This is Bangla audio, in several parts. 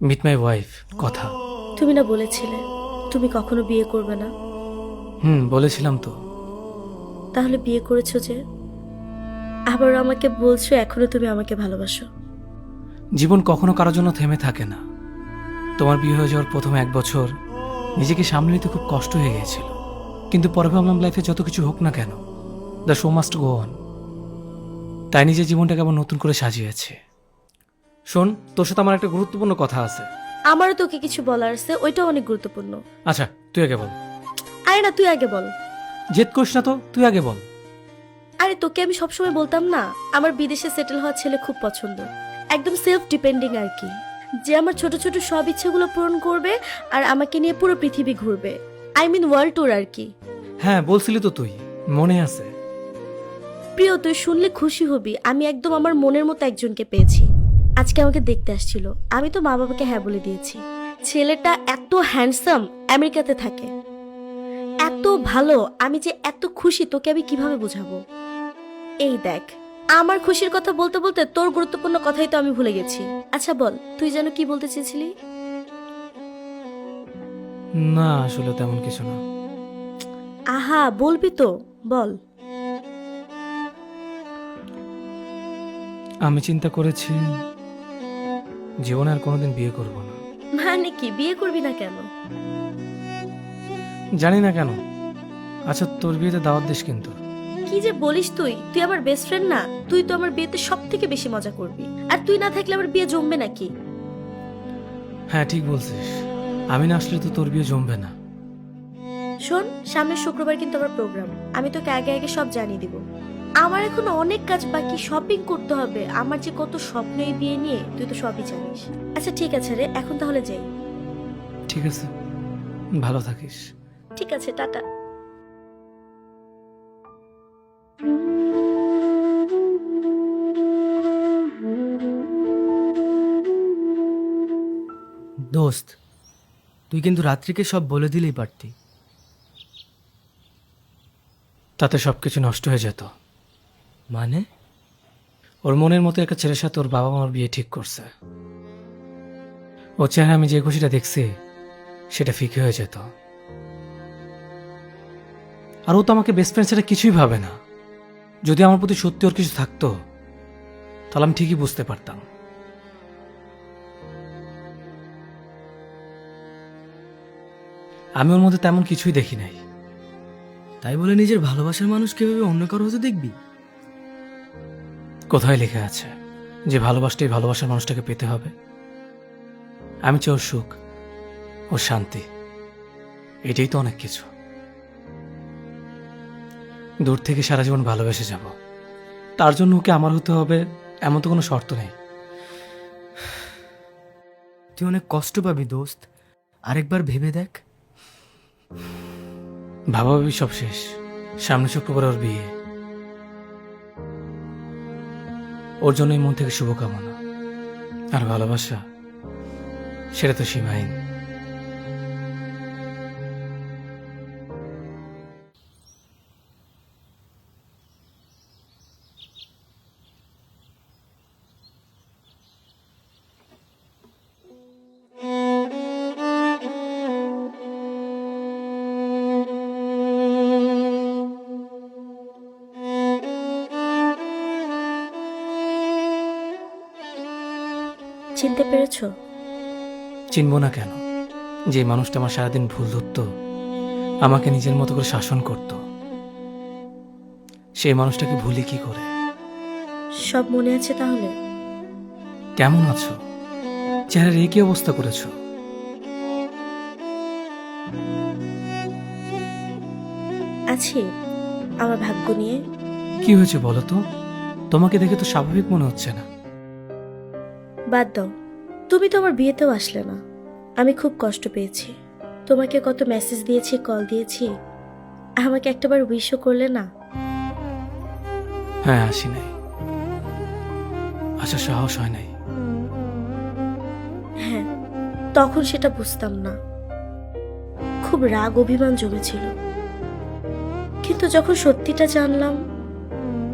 মিট মাই ওয়াইফ কথা। তুমি না বলেছিলে তুমি কখনো বিয়ে করবে না? বলেছিলাম তো। তাহলে বিয়ে করেছো যে, আবার আমাকে বলছো এখনো তুমি আমাকে ভালোবাসো। জীবন কখনো কারোর জন্য থেমে থাকে না। তোমার বিয়ে হয়ে যাওয়ার প্রথম 1 বছর নিজেকে সামলে নিতে খুব কষ্ট হয়ে গিয়েছিল, কিন্তু পরে ভাবলাম লাইফে যত কিছু হোক না কেন, the show must go on. তাই নিজের জীবনটাকে আবার নতুন করে সাজিয়েছে। শোন, তোর সাথে আমার একটা গুরুত্বপূর্ণ কথা আছে। আমারও তোকে কিছু বলার আছে, ওইটাও অনেক গুরুত্বপূর্ণ। আচ্ছা, তুই আগে বল। আরে না, তুই আগে বল। জেদ করিস না তো, তুই আগে বল। আরে তোকে আমি সবসময় বলতাম না, আমার বিদেশে সেটেল হওয়া ছেলে খুব পছন্দ, একদম সেলফ ডিপেন্ডিং আর কি, যে আমার ছোট ছোট সব ইচ্ছেগুলো পূরণ করবে আর আমাকে নিয়ে পুরো পৃথিবী ঘুরবে। আই মিন ওয়ার্ল্ড ট্যুর আর কি। হ্যাঁ, বলছিলি তো তুই, মনে আছে। প্রিয়, তুই শুনলে খুশি হবি, আমি একদম আমার মনের মতো একজনকে পেয়েছি। আজকে আমাকে দেখতে আসছিল, আমি তো মা বাবাকে হ্যাঁ বলে দিয়েছি। ছেলেটা এত হ্যান্ডসাম, আমেরিকাতে থাকে, এত ভালো, আমি যে এত খুশি তোকে আমি কিভাবে বোঝাবো। এই দেখ, আমার খুশির কথা বলতে বলতে তোর গুরুত্বপূর্ণ কথাই তো আমি ভুলে গেছি। আচ্ছা বল, তুই যেন কি বলতে চেয়েছিলি? না, আসলে তেমন কিছু না। আহা, বলবি তো, বল। আমি চিন্তা করেছি জীবনে আর কোনোদিন বিয়ে করব না। মানে কি, বিয়ে করবি না কেন? জানি না কেন। আচ্ছা, তোর বিয়েতে দাওয়াত দিস কিন্তু। কি যে বলিস তুই, তুই আমার বেস্ট ফ্রেন্ড না? তুই তো আমার বিয়েতে সব থেকে বেশি মজা করবি, আর তুই না থাকলে আমার বিয়ে জমবে নাকি? হ্যাঁ, ঠিক বলছিস। আমি না আসলে তো তোর বিয়ে জমবে না। শোন, সামনের শুক্রবার কিন্তু আমার প্রোগ্রাম, আমি তোকে আগে আগে সব জানিয়ে দিব। আমার এখন অনেক কাজ বাকি, শপিং করতে হবে, আমার যে কত স্বপ্ন এই বিয়ে নিয়ে, তুই তো সবই জানিস। আচ্ছা ঠিক আছে রে, এখন তাহলে যাই। ঠিক আছে, ভালো থাকিস। ঠিক আছে, টাটা। দোস্ত, তুই কিন্তু রাত্রিকে সব বলে দিলেই পারতি। তাতে সবকিছু নষ্ট হয়ে যেত। মানে? ওর মনের মতো একটা ছেলের সাথে ওর বাবা মার বিয়ে ঠিক করছে। ওর চেহারা আমি যে খুশিটা দেখছি সেটা ফিকে হয়ে যেত। আর ও তো আমাকে বেস্ট ফ্রেন্ড সেটা কিছুই ভাবে না। যদি আমার প্রতি সত্যি ওর কিছু থাকতো তাহলে আমি ঠিকই বুঝতে পারতাম। আমি ওর মধ্যে তেমন কিছুই দেখি নাই। তাই বলে নিজের ভালোবাসার মানুষ কিভাবে অন্য কারো হতে দেখবি? কোথায় লেখা আছে যে ভালোবাসতেই ভালোবাসার মানুষটাকে পেতে হবে? আমি চাই ওর সুখ, ওর শান্তি, এটাই তো অনেক কিছু। দূর থেকে সারা জীবন ভালোবেসে যাব, তার জন্য ওকে আমার হতে হবে এমন তো কোনো শর্ত নেই। তুই অনেক কষ্ট পাবি দোস্ত, আরেকবার ভেবে দেখ। ভাবাভাবি সব শেষ, সামনে শুক্রবার ওর বিয়ে। ওর জন্যই মন থেকে শুভকামনা। আর ভালোবাসা, সেটা তো সীমাহীন। চিনতে পেরেছো? চিনব না কেন? যে মানুষটা আমার সারাদিন ভুল ধরত, আমাকে নিজের মতো করে শাসন করত, সেই মানুষটাকে ভুলি কি করে? সব মনে আছে তাহলে? কেমন আছো? চেহারার এই কি অবস্থা করেছো? আছি, আমার ভাগ্য নিয়ে। কি হয়েছে বলো তো? তোমাকে দেখে তো স্বাভাবিক মনে হচ্ছে না। বাদ দাও, তুমি তো আমার বিয়েতেও আসলে না। আমি খুব কষ্ট পেয়েছি, তোমাকে কত মেসেজ দিয়েছি, কল দিয়েছি, আমাকে একটাবার উইশও করলে না। হ্যাঁ, আসি নাই, আসার সাহস হয় নাই। হ্যাঁ, তখন সেটা বুঝতাম না, খুব রাগ অভিমান জমেছিল, কিন্তু যখন সত্যিটা জানলাম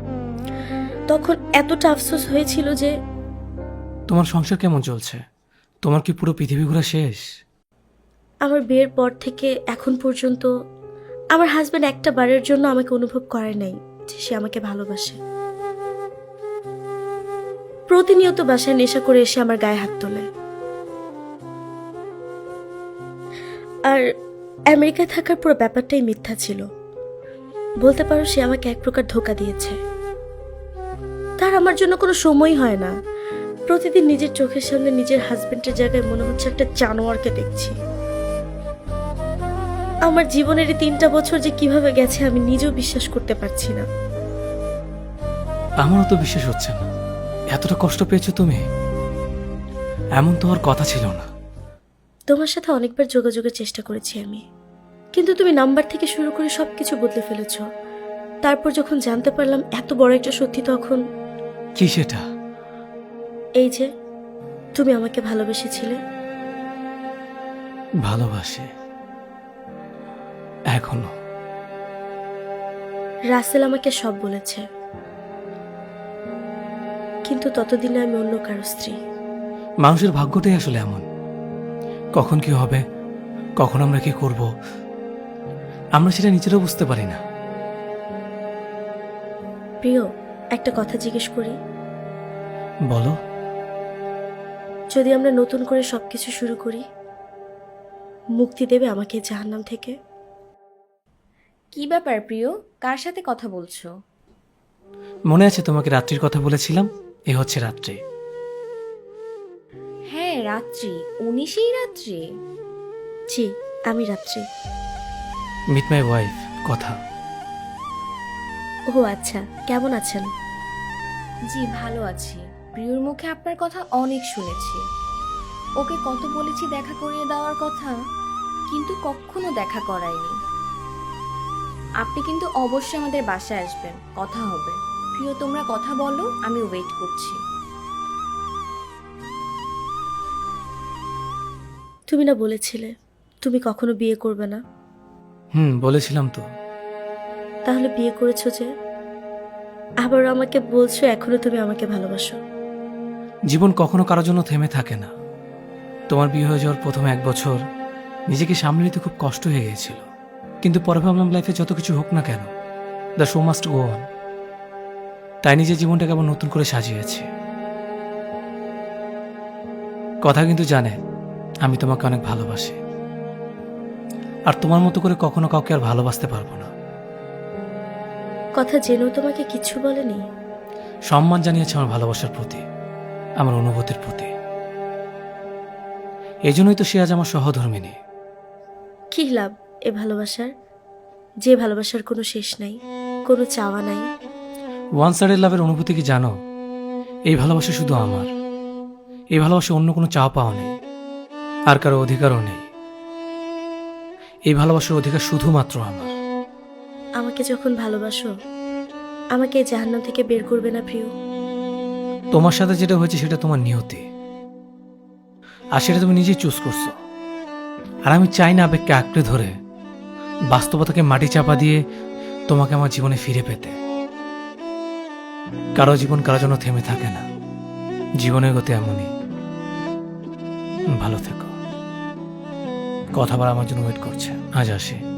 তখন এতটা আফসোস হয়েছিল যে। তোমার সংসার কেমন চলছে? তোমার কি পুরো পৃথিবী ঘোরা শেষ? আমার বিয়ের পর থেকে এখন পর্যন্ত আমার হাজব্যান্ড একটা বারের জন্য আমাকে অনুভব করে নাই যে সে আমাকে ভালোবাসে। প্রতিনিয়ত বাসায় নেশা করে এসে আমার গায়ে হাত তোলে। আর আমেরিকায় থাকার পুরো ব্যাপারটাই মিথ্যা ছিল। বলতে পারো সে আমাকে এক প্রকার ধোঁকা দিয়েছে। তার আমার জন্য কোনো সময় হয় না। প্রতিদিন নিজের চোখের সামনে নিজের হাজবেন্ডের জায়গায় মনে হচ্ছে একটা জানোয়ারকে দেখছি। আমার জীবনের এই 3টা বছর যে কিভাবে গেছে আমি নিজেও বিশ্বাস করতে পারছি না। আমারও তো বিশ্বাস হচ্ছে না। এতটা কষ্ট পেয়েছো তুমি? এমন তো হওয়ার কথা ছিল না। তোমার সাথে অনেকবার যোগাযোগের চেষ্টা করেছি আমি, কিন্তু তুমি নাম্বার থেকে শুরু করে সবকিছু বদলে ফেলেছো। তারপর যখন জানতে পারলাম এত বড় একটা সত্যি, তখন কি সেটা? এই যে তুমি আমাকে ভালোবেসেছিলে। ভালোবাসে এখনো। রাসেল আমাকে সব বলেছে, কিন্তু ততদিনে আমি অন্য কারো স্ত্রী। মানুষের ভাগ্যটাই আসলে এমন। কখন কি হবে, কখন আমরা কি করব, আমরা সেটা নিজেরাও বুঝতে পারি না। প্রিয়, একটা কথা জিজ্ঞেস করি। বলো। যদি আমরা নতুন করে সবকিছু শুরু করি, মুক্তি দেবে আমাকে এই জাহান্নাম থেকে? কি ব্যাপার প্রিয়, কার সাথে কথা বলছো? মনে আছে তোমাকে রাত্রির কথা বলেছিলাম? এ হচ্ছে রাত্রি। হ্যাঁ, রাত্রি। 19ই রাত্রি? জি, আমি রাত্রি। মিট মাই ওয়াইফ কথা। ও আচ্ছা, কেমন আছেন? জি, ভালো আছি। প্রিয়র মুখে আপনার কথা অনেক শুনেছি। ওকে কত বলেছি দেখা করিয়ে দেওয়ার কথা, কিন্তু কখনো দেখা করায়নি। আপনি কিন্তু অবশ্যই আমাদের বাসায় আসবেন, কথা হবে। প্রিয়, তোমরা কথা বলো, আমি ওয়েট করছি। তুমি না বলেছিলে তুমি কখনো বিয়ে করবে না? বলেছিলাম তো। তাহলে বিয়ে করেছো যে? আবার আমাকে বলছো এখনো তুমি আমাকে ভালোবাসো। জীবন কখনো কারোর জন্য থেমে থাকে না। তোমার বিয়ে হয়ে যাওয়ার প্রথম 1 বছর নিজেকে সামলে নিতে খুব কষ্ট হয়ে গিয়েছিল, কিন্তু পরে ভাবলাম লাইফে যত কিছু হোক না কেন, the show must go on. তাই নিজের জীবনটাকে আবার নতুন করে সাজিয়েছি। কথা কিন্তু জানে আমি তোমাকে অনেক ভালোবাসি, আর তোমার মতো করে কখনো কাউকে আর ভালোবাসতে পারবো না। কথা জেনেও তোমাকে কিছু বলেনি? সম্মান জানিয়েছে আমার ভালোবাসার প্রতি, আমার অনুভূতির প্রতি। এই জন্যই তো সে আজ আমার সহধর্মিনী। কি লাভ এ ভালোবাসার, যে ভালোবাসার কোনো শেষ নাই, কোনো চাওয়া নাই? ওয়ান সাইডেড লাভের অনুভূতি কি জানো? এই ভালোবাসা শুধু আমার। এই ভালোবাসা অন্য কোনো চাওয়া পাওয়া নেই, আর কারো অধিকারও নেই। এই ভালোবাসার অধিকার শুধুমাত্র আমার। আমাকে যখন ভালোবাসো, আমাকে এই জাহান্নাম থেকে বের করবে না প্রিয়? তোমার সাথে যেটা হয়েছে সেটা তোমার নিয়তি, আর সেটা তুমি নিজেই চুজ করছো। আর আমি চাই না আবেগকে আঁকড়ে ধরে বাস্তবতাকে মাটি চাপা দিয়ে তোমাকে আমার জীবনে ফিরে পেতে। কারো জীবন কারোর জন্য থেমে থাকে না। জীবনের গতি এমনই। ভালো থেকো। কথা বলা আমার জন্য ওয়েট করছে। আজ আসি।